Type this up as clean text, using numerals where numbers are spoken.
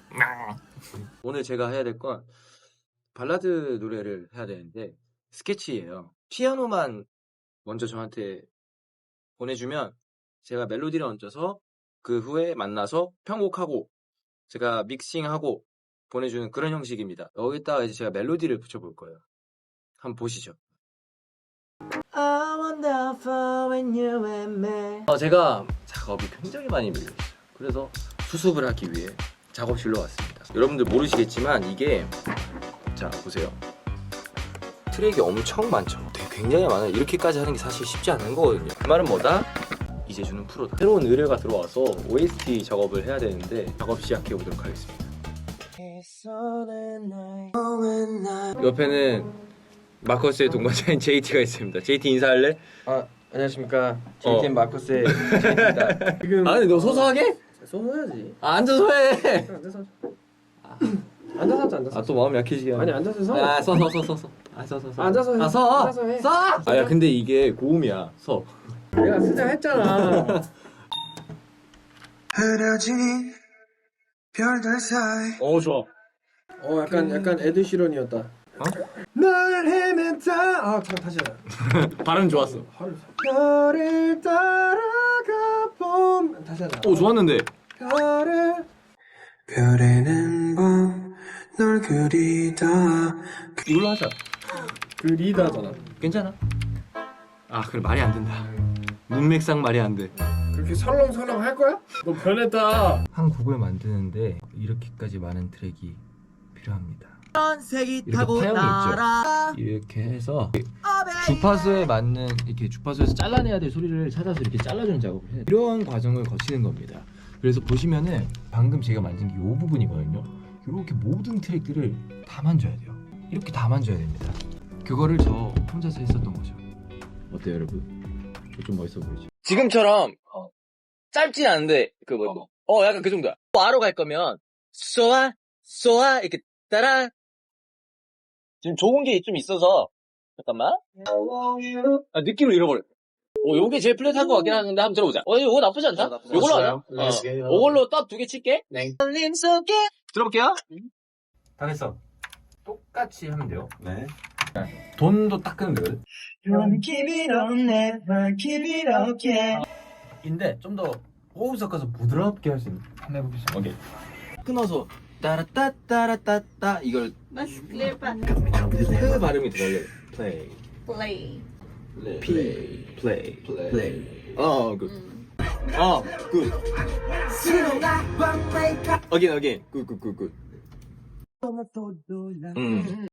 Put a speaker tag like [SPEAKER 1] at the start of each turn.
[SPEAKER 1] 오늘 제가 해야 될 건 발라드 노래를 해야 되는데 스케치예요. 피아노만 먼저 저한테 보내주면 제가 멜로디를 얹어서 그 후에 만나서 편곡하고 제가 믹싱하고 보내주는 그런 형식입니다. 여기다가 이제 제가 멜로디를 붙여볼 거예요. 한번 보시죠. 제가 작업이 굉장히 많이 밀려있어요. 그래서 수습을 하기 위해 작업실로 왔습니다. 여러분들 모르시겠지만 이게 자 보세요. 트랙이 엄청 많죠. 굉장히 많아요. 이렇게까지 하는 게 사실 쉽지 않은 거거든요. 그 말은 뭐다? 이재준은 프로다. 새로운 의뢰가 들어와서 OST 작업을 해야 되는데 작업 시작해 보도록 하겠습니다. 옆에는 마커스의 동반자인 JT가 있습니다. JT 인사할래?
[SPEAKER 2] 안녕하십니까. JTN 마커스의 JT입니다. 지금
[SPEAKER 1] 아니 너 소소하게?
[SPEAKER 2] 소소해야지.
[SPEAKER 1] 앉아서 해.
[SPEAKER 2] 앉아서. 앉아서 앉아서.
[SPEAKER 1] 또 마음 약해지게 하네.
[SPEAKER 2] 아니 앉아서 서.
[SPEAKER 1] 서.
[SPEAKER 2] 앉아서 해. 앉아서 해.
[SPEAKER 1] 야 근데 이게 고음이야. 서.
[SPEAKER 2] 내가 쓰자 했잖아.
[SPEAKER 3] 흐려진 별들 사이.
[SPEAKER 1] 좋아.
[SPEAKER 2] 약간 에드시런이었다. 널 헤맸다. 다시 하자.
[SPEAKER 1] 발음 좋았어.
[SPEAKER 2] 별을 따라가 봄. 다시 하자.
[SPEAKER 1] 좋았는데.
[SPEAKER 2] 별을.
[SPEAKER 3] 별에는 밤 널 그리다.
[SPEAKER 1] 이걸로 하자.
[SPEAKER 2] 그리다잖아.
[SPEAKER 1] 괜찮아? 그래 말이 안 된다. 문맥상 말이 안 돼.
[SPEAKER 2] 그렇게 설렁설렁 할 거야? 너 변했다.
[SPEAKER 1] 한 곡을 만드는데 이렇게까지 많은 트랙이 필요합니다. 이렇게 파형이 있죠. 이렇게 해서 주파수에 맞는 이렇게 주파수에서 잘라내야 될 소리를 찾아서 이렇게 잘라주는 작업을 해요. 이런 과정을 거치는 겁니다. 그래서 보시면은 방금 제가 만진 게 이 부분이거든요. 이렇게 모든 트랙들을 다 만져야 돼요. 이렇게 다 만져야 됩니다. 그거를 저 혼자서 했었던 거죠. 어때요, 여러분? 좀 멋있어 보이죠? 지금처럼 짧진 않은데 약간 그 정도야. 아로 갈 거면 쏘아 이렇게 따라. 지금 좋은 게 좀 있어서 잠깐만. 느낌을 잃어버려. 요게 제일 플랫한 것 같긴 한데 한번 들어보자. 이거 나쁘지 않다. 요걸로 하자. 이걸로 딱 2개 칠게. 네. 들어볼게요. 다 됐어. 똑같이 하면 돼요.
[SPEAKER 3] 네.
[SPEAKER 1] 돈도 딱 끄면 되거든. 인데 좀 더 호흡 섞어서 부드럽게 할 수 있는. 한번 해보겠습니다. 오케이. 끊어서 따라따따라따따 이걸 그 발음이 들어요. 플레이. 플레이. 굿. 굿. 어게인. 굿.